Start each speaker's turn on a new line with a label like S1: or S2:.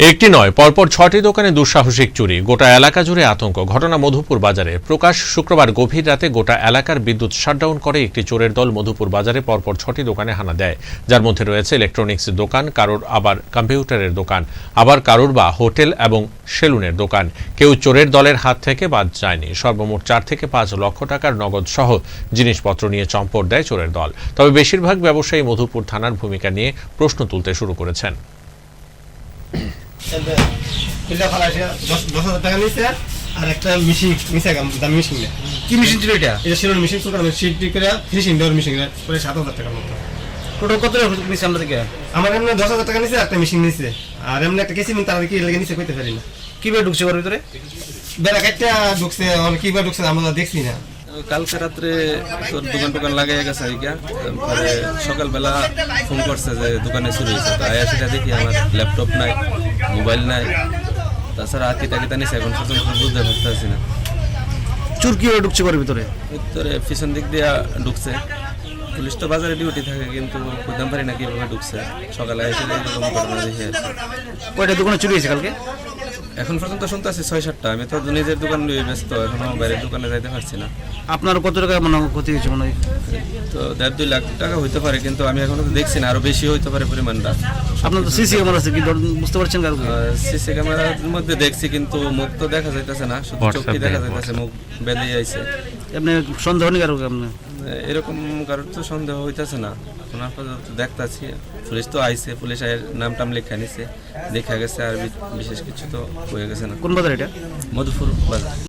S1: একটি নয়, পরপর ৬টি দোকানে দুঃসাহসিক চুরি, গোটা এলাকা জুড়ে আতঙ্ক। ঘটনা মধুপুর বাজারে। প্রকাশ, শুক্রবার গভীর রাতে গোটা এলাকার বিদ্যুৎ শাটডাউন করে একটি চোরের দল মধুপুর বাজারে পরপর ৬টি দোকানে হানা দেয়, যার মধ্যে রয়েছে ইলেকট্রনিক্স দোকান, কারোর আবার কম্পিউটারের দোকান, আবার কারোর বা হোটেল এবং সেলুনের দোকান। কেউ চোরের দলের হাত থেকে বাদ যায়নি। সর্বমোট ৪ থেকে ৫ লক্ষ টাকার নগদ সহ জিনিসপত্র নিয়ে চম্পট দেয় চোরের দল। তবে বেশিরভাগ ব্যবসায়ী মধুপুর থানার ভূমিকা নিয়ে প্রশ্ন তুলতে শুরু করেছেন।
S2: আর একটা মেশিন নিচে দামি মেশিন নেই।
S3: কি মেশিন ছিল এটা?
S2: এটা ছিল মেশিন ছোট সিট করে ফিনিশিং দেওয়ার মেশিন করে 7,000 টাকার মতো।
S3: টোটাল কত টাকা নিছে আমরা থেকে?
S2: আমার এমনি 10,000 টাকা নিচে একটা মেশিন নিচে, আর এমনি একটা কেসি নিতে তারা কি লেগে নিচে কইতে পারি না।
S3: কিভাবে ঢুকছে ওর ভিতরে?
S2: বেলা কাটটা ঢুকছে, কিভাবে ঢুকছে আমরা দেখছি না।
S4: কালকে রাত্রে তোর দোকান লাগিয়ে গেছে আইগা, তারপরে সকালবেলা ফোন করছে যে দোকানে চুরি হয়েছে। তাই সেটা দেখি আমার ল্যাপটপ নাই, মোবাইল নাই, তাছাড়া আকিটা নিছে। এখন পর্যন্ত বুঝতে পারতেছি না
S3: চুর কিভাবে ঢুকছে ওর ভিতরে।
S4: ভিতরে পিছন দিক দিয়ে ঢুকছে। পুলিশ তো বাজারে ডিউটি থাকে, কিন্তু বুঝতে পারি না কিভাবে ঢুকছে। সকালে এসে এরকম ঘটনা দেখে
S3: কয়টা দোকানে চুরি হয়েছে কালকে?
S4: এখন পর্যন্ত শুনতে আছি 6-7টা। আমি তো নিজের দোকান নিয়ে ব্যস্ত, এখনো বাইরের দোকানে যাইতে পারছি না।
S3: আপনার কত টাকা মানে ক্ষতি হয়েছে মনে হয়?
S4: তো 1.5-2 লাখ টাকা হইতে পারে, কিন্তু আমি এখনো তো দেখছি না, আরো বেশি হইতে পারে পরিমাণটা।
S3: আপনার তো সিসি ক্যামেরা আছে, কি বুঝতে পারছেন কারো?
S4: সিসি ক্যামেরার মধ্যে দেখছি, কিন্তু মুখ তো দেখা যাইতেছে না, শুধু চোখই দেখা যাইতেছে, মুখ বেরিয়ে আইছে।
S3: আপনি সন্দেহ নেই কারো? আপনি
S4: এরকম কারোর তো সন্দেহ হইতেছে না। এখন আপাতত দেখতাছি, পুলিশ তো আইছে, পুলিশ নাম টাম লেখা নিছে, দেখা গেছে, আর বিশেষ কিছু তো হয়ে গেছে না।
S3: কোন বাজার এটা?
S4: মধুপুর বাজার।